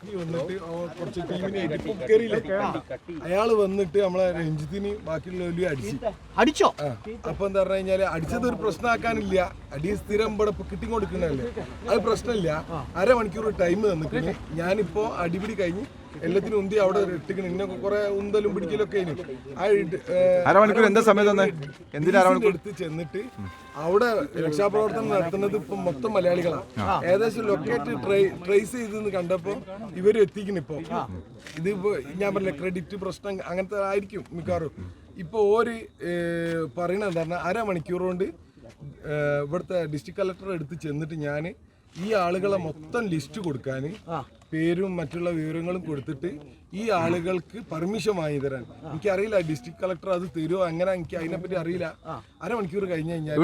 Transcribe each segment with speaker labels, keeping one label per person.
Speaker 1: DSP വന്നിട്ട് കുറച്ച് ടീമിനായിട്ട് ഇപ്പൊ കയറിയില്ല. അയാള് വന്നിട്ട് നമ്മളെ രഞ്ജിത്തിന് ബാക്കിയുള്ളവര്
Speaker 2: അടിച്ചോ?
Speaker 1: അപ്പൊ എന്താ പറഞ്ഞു കഴിഞ്ഞാല് അടിച്ചത് ഒരു പ്രശ്നമാക്കാനില്ല. അടി സ്ഥിരം ഇവിടെ കിട്ടിക്കൊടുക്കണല്ലേ, അത് പ്രശ്നമില്ല. അരമണിക്കൂർ ടൈം തന്നിട്ട് ഞാനിപ്പോ അടിപിടി കഴിഞ്ഞ് എല്ലാത്തിനും ഉന്തി അവിടെ ഇട്ടിക്കണ. ഇന്നെ കുറെ ഉന്തലും പിടിക്കലൊക്കെ
Speaker 3: അരമണിക്കൂർ എന്താ സമയം
Speaker 1: എടുത്ത് ചെന്നിട്ട് അവിടെ രക്ഷാപ്രവർത്തനം നടത്തുന്നത് ഇപ്പൊ മൊത്തം മലയാളികളാണ്. ഏകദേശം ലൊക്കേറ്റ് ട്രേസ് ചെയ്തെന്ന് കണ്ടപ്പോ ഇവര് എത്തിക്കുന്നു. ഇതിപ്പോ ഞാൻ പറഞ്ഞ ക്രെഡിറ്റ് പ്രശ്നം അങ്ങനത്തെ ആയിരിക്കും മിക്കവാറും. ഇപ്പൊ ഓര് പറയണത് എന്താ പറഞ്ഞാൽ അരമണിക്കൂർ കൊണ്ട് ഇവിടുത്തെ ഡിസ്ട്രിക്ട് കളക്ടർ എടുത്ത് ചെന്നിട്ട് ഞാൻ ഈ ആളുകളെ മൊത്തം ലിസ്റ്റ് കൊടുക്കാൻ, പേരും മറ്റുള്ള വിവരങ്ങളും കൊടുത്തിട്ട് ഈ ആളുകൾക്ക് പെർമിഷൻ വാങ്ങി തരാൻ. എനിക്കറിയില്ല ഡിസ്ട്രിക്ട് കളക്ടർ അത് തരുമോ അങ്ങനെ, എനിക്ക് അതിനെപ്പറ്റി അറിയില്ല. അരമണിക്കൂർ കഴിഞ്ഞ് കഴിഞ്ഞാൽ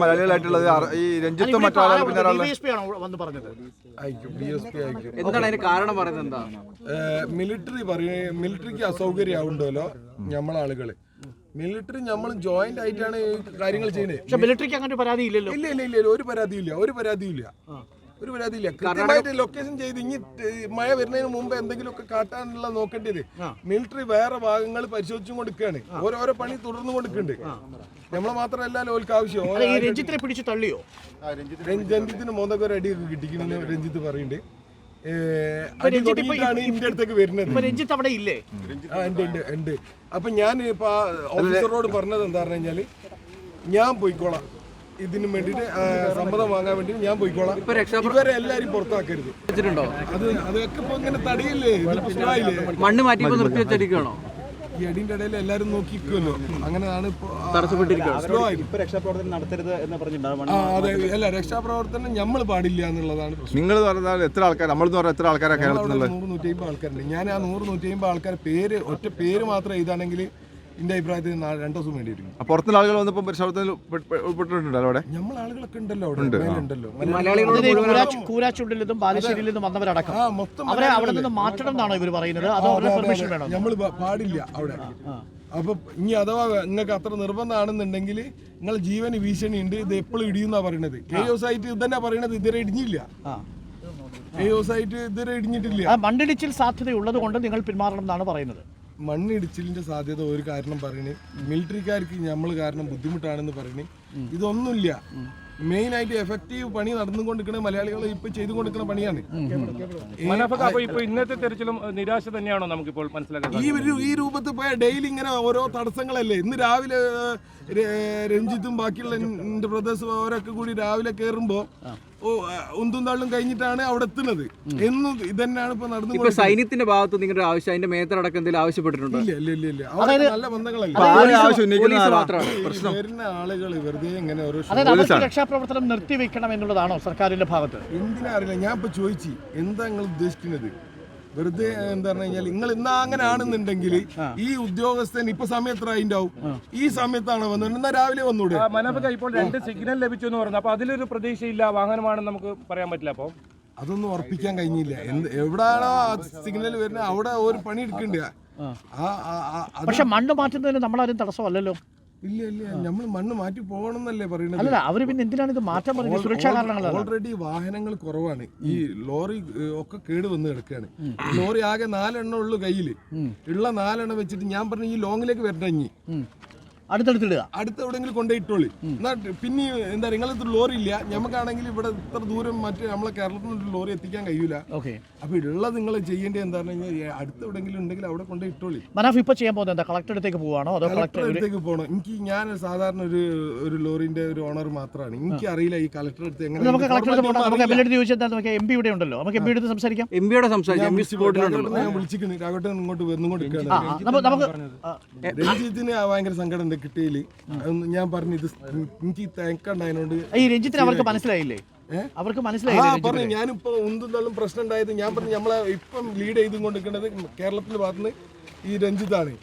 Speaker 1: മിലിറ്ററിക്ക് അസൗകര്യം ആവുണ്ടല്ലോ നമ്മളാളുകള്. മിലിറ്ററി നമ്മൾ ജോയിന്റ് ആയിട്ടാണ് കാര്യങ്ങൾ ചെയ്യുന്നത്.
Speaker 2: മിലിറ്ററിക്ക് അങ്ങനെ പരാതി ഇല്ലല്ലോ.
Speaker 1: ഇല്ല, ഒരു പരാതിയില്ല. കൃത്യമായിട്ട് ലൊക്കേഷൻ ചെയ്ത് ഇനി മഴ വരുന്നതിന് മുമ്പ് എന്തെങ്കിലുമൊക്കെ കാട്ടാനുള്ള നോക്കേണ്ടത്. മിലിറ്ററി വേറെ ഭാഗങ്ങൾ പരിശോധിച്ചും കൊടുക്കുകയാണ്. ഓരോരോ പണി തുടർന്നു കൊടുക്കുന്നുണ്ട്. നമ്മളെ മാത്രമല്ല ഓൽക്ക് ആവശ്യം.
Speaker 2: രഞ്ജിത്തിനെ പിടിച്ച് തള്ളിയോ?
Speaker 1: രഞ്ജിത്തിന് മോന്തൊക്കെ അടിയൊക്കെ കിട്ടിക്കണെന്ന് രഞ്ജിത്ത് പറയുന്നുണ്ട്. ഇന്ത്യ അടുത്തേക്ക് വരുന്നത്.
Speaker 2: രഞ്ജിത്ത് അവിടെ ഇല്ലേ?
Speaker 1: ഉണ്ട്. അപ്പൊ ഞാൻ ഇപ്പൊ ഓഫീസറോട് പറഞ്ഞത് എന്താ പറഞ്ഞു കഴിഞ്ഞാല്, ഞാൻ പോയിക്കോളാം, ഇതിനു വേണ്ടിട്ട് സമ്മതം വാങ്ങാൻ വേണ്ടി ഞാൻ പോയിക്കോളാം, ഇവരെ എല്ലാരും പുറത്താക്കരുത്. അതൊക്കെ ഇപ്പൊ ഇങ്ങനെ തടയില്ലേ,
Speaker 4: മണ്ണ് മാറ്റി നിർത്തി വെച്ചടിക്കണോ?
Speaker 1: ഈ അടിന്റെ ഇടയിൽ എല്ലാരും നോക്കിക്കുമല്ലോ. അങ്ങനെയാണ് അല്ല, രക്ഷാപ്രവർത്തനം നമ്മൾ പാടില്ല എന്നുള്ളതാണ് പ്രശ്നം.
Speaker 3: നിങ്ങൾ പറഞ്ഞാൽ എത്ര ആൾക്കാർ, നമ്മൾ എത്ര ആൾക്കാരാണ് കേരളത്തിൽ?
Speaker 1: 100-150 ആൾക്കാരുണ്ട്. ഞാൻ ആ 100-150 ആൾക്കാർ പേര് ഒറ്റ പേര് മാത്രം എഴുതാണെങ്കിൽ എന്റെ അഭിപ്രായത്തിൽ 2 ദിവസം വേണ്ടി വരും.
Speaker 3: പുറത്തുള്ള ആളുകൾ വന്നപ്പോൾ പരിശോധനയിൽ ഉൾപ്പെട്ടിട്ടുണ്ടല്ലോ അവിടെ.
Speaker 1: നമ്മൾ ആളുകളൊക്കെ ഉണ്ടല്ലോ അവിടെ.
Speaker 2: കൂരാച്ചുണ്ടിലും ബാലുശ്ശേരിയിലും വന്നവരടക്കം അവരെ അവിടെ നിന്ന് മാറ്റണം എന്നാണോ ഇവർ പറയുന്നത്? അതോ പെർമിഷൻ വേണം?
Speaker 1: നമ്മൾ പാടില്ല അവിടെ. അപ്പൊ ഇനി അഥവാ നിങ്ങൾക്ക് അത്ര നിർബന്ധമാണെന്നുണ്ടെങ്കിൽ നിങ്ങൾ ജീവന് ഭീഷണി ഉണ്ട്, ഇത് എപ്പോഴും ഇടിയുന്നാ പറയണത്. KOSite ഇത് തന്നെ പറയണത്, ഇതുവരെ ഇടിഞ്ഞില്ല. KOSite ഇതുവരെ ഇടിഞ്ഞിട്ടില്ല.
Speaker 2: മണ്ണിടിച്ചിൽ സാധ്യതയുള്ളത് കൊണ്ട് നിങ്ങൾ പിന്മാറണം എന്നാണ് പറയുന്നത്.
Speaker 1: മണ്ണിടിച്ചിലിന്റെ സാധ്യത ഒരു കാരണം പറയുന്നത്, മിലിറ്ററിക്കാർക്ക് നമ്മൾ കാരണം ബുദ്ധിമുട്ടാണെന്ന് പറയുന്നത്. ഇതൊന്നുമില്ല. മെയിൻ ആയിട്ട് എഫക്റ്റീവ് പണി നടന്നുകൊണ്ടിരിക്കുന്ന മലയാളികൾ ഇപ്പൊ ചെയ്തുകൊണ്ടിരിക്കുന്ന പണിയാണ്.
Speaker 5: ഇന്നത്തെ തെരച്ചിലും നിരാശ തന്നെയാണോ നമുക്കിപ്പോൾ മനസ്സിലാക്കുന്നത്?
Speaker 1: ഈ രൂപത്തിൽ പോയ ഡെയിലി ഇങ്ങനെ ഓരോ തടസ്സങ്ങളല്ലേ. ഇന്ന് രാവിലെ രഞ്ജിത്തും ബാക്കിയുള്ള എന്റെ ബ്രദേഴ്സും അവരൊക്കെ കൂടി രാവിലെ കയറുമ്പോ ഉന്തും തള്ളും കഴിഞ്ഞിട്ടാണ് അവിടെ എത്തുന്നത്. എന്നും ഇതന്നെയാണ് ഇപ്പൊ നടന്നു.
Speaker 4: സൈന്യത്തിന്റെ ഭാഗത്ത് നിങ്ങളുടെ ആവശ്യം, അതിന്റെ മേത്തടക്കം എന്തെങ്കിലും ആവശ്യപ്പെട്ടിട്ടുണ്ടോ?
Speaker 1: ഇല്ല. നല്ല ബന്ധങ്ങളല്ല. വരുന്ന ആളുകൾ വെറുതെ ഇങ്ങനെ ഓരോ
Speaker 2: രക്ഷാപ്രവർത്തനം നിർത്തിവെക്കണം എന്നുള്ളതാണോ സർക്കാരിന്റെ ഭാഗത്ത്?
Speaker 1: എന്തിനാ അറിയില്ല. ഞാൻ ഇപ്പൊ ചോദിച്ചു എന്താ നിങ്ങൾ ഉദ്ദേശിക്കുന്നത്? വെറുതെ എന്താ പറഞ്ഞു കഴിഞ്ഞാൽ നിങ്ങൾ ഇന്നാ അങ്ങനെ ആണെന്നുണ്ടെങ്കിൽ ഈ ഉദ്യോഗസ്ഥൻ ഇപ്പൊ സമയത്ത് ഉണ്ടാവും. ഈ സമയത്താണ് വന്നത്, എന്നാ രാവിലെ വന്നൂടെ?
Speaker 5: ഇപ്പോൾ 2 സിഗ്നൽ ലഭിച്ചു എന്ന് പറഞ്ഞു. അപ്പൊ അതിലൊരു പ്രതീക്ഷയില്ല, വാഹനമാണെന്ന് നമുക്ക് പറയാൻ പറ്റില്ല. അപ്പൊ
Speaker 1: അതൊന്നും ഉറപ്പിക്കാൻ കഴിഞ്ഞില്ല. എവിടാണോ സിഗ്നൽ വരുന്നത് അവിടെ ഒരു പണി എടുക്കണ്ട.
Speaker 2: പക്ഷെ മണ്ണ് മാറ്റുന്നതിന് നമ്മളാരും തടസ്സമല്ലല്ലോ.
Speaker 1: ഇല്ല, നമ്മൾ മണ്ണ് മാറ്റി പോകണമെന്നല്ലേ പറയുന്നത്.
Speaker 2: അല്ല, അവര് പിന്നെ എന്തിനാണ് ഇത് മാറ്റാൻ പറയുന്നത്? സുരക്ഷാ കാരണങ്ങളാണ്.
Speaker 1: ഓൾറെഡി വാഹനങ്ങൾ കുറവാണ്. ഈ ലോറി ഒക്കെ കേട് വന്ന് കിടക്കുകയാണ്. ലോറി ആകെ 4 എണ്ണം ഉള്ളു കയ്യില്. ഉള്ള 4 എണ്ണം വെച്ചിട്ട് ഞാൻ പറഞ്ഞു ഈ ലോങ്ങിലേക്ക് വരണ്ട, അടുത്ത എവിടെയെങ്കിലും കൊണ്ടുപോയിട്ടോളി. എന്നാ പിന്നെ എന്താ നിങ്ങളിത്ര ലോറി ഇല്ല, ഞമ്മക്കാണെങ്കിൽ ഇവിടെ ഇത്ര ദൂരം മറ്റേ നമ്മളെ കേരളത്തിൽ നിന്ന് ലോറി എത്തിക്കാൻ കഴിയൂല. അപ്പൊ ഉള്ളത് നിങ്ങൾ ചെയ്യേണ്ടത് എന്താണെന്ന് കഴിഞ്ഞാൽ അടുത്ത എവിടെയെങ്കിലും ഉണ്ടെങ്കിൽ അവിടെ കൊണ്ടുപോയിട്ടോളി.
Speaker 2: ഇപ്പൊ ചെയ്യാൻ പോകുന്നത് എന്താ? കളക്ടർ അടുത്തേക്ക് പോവാണോ അതോ
Speaker 1: കളക്ടർ അടുത്തേക്ക് പോകണം? ഞാൻ സാധാരണ ഒരു ലോറിന്റെ ഒരു ഓണർ മാത്രമാണ്. എനിക്ക് അറിയില്ല ഈ കളക്ടർ അടുത്ത് എങ്ങനെ.
Speaker 2: നമുക്ക് MP ഇവിടെ ഉണ്ടല്ലോ, നമുക്ക് MP എടുത്ത് സംസാരിക്കാം.
Speaker 1: ഞാൻ വിളിച്ചിരിക്കുന്നു, രാഘവട്ടൻ ഇങ്ങോട്ട് വന്നുകൊണ്ടിരിക്കുകയാണ്. രഞ്ജിത്തിന് ഭയങ്കര സങ്കടം കിട്ടിയില്ല. ഞാൻ പറഞ്ഞു ഇത് എനിക്ക് തേക്കണ്ടായതിനോട്.
Speaker 2: ഈ രഞ്ജിത്തിന് അവർക്ക് മനസ്സിലായില്ലേ? അവർക്ക് മനസ്സിലായി.
Speaker 1: ഞാനിപ്പോ ഉന്തും പ്രശ്നം ഉണ്ടായത് ഞാൻ പറഞ്ഞു നമ്മളെ ഇപ്പം ലീഡ് ചെയ്തുകൊണ്ടിരിക്കുന്നത് കേരളത്തിന്റെ ഭാഗത്തുനിന്ന് ഈ രഞ്ജിത്താണ്.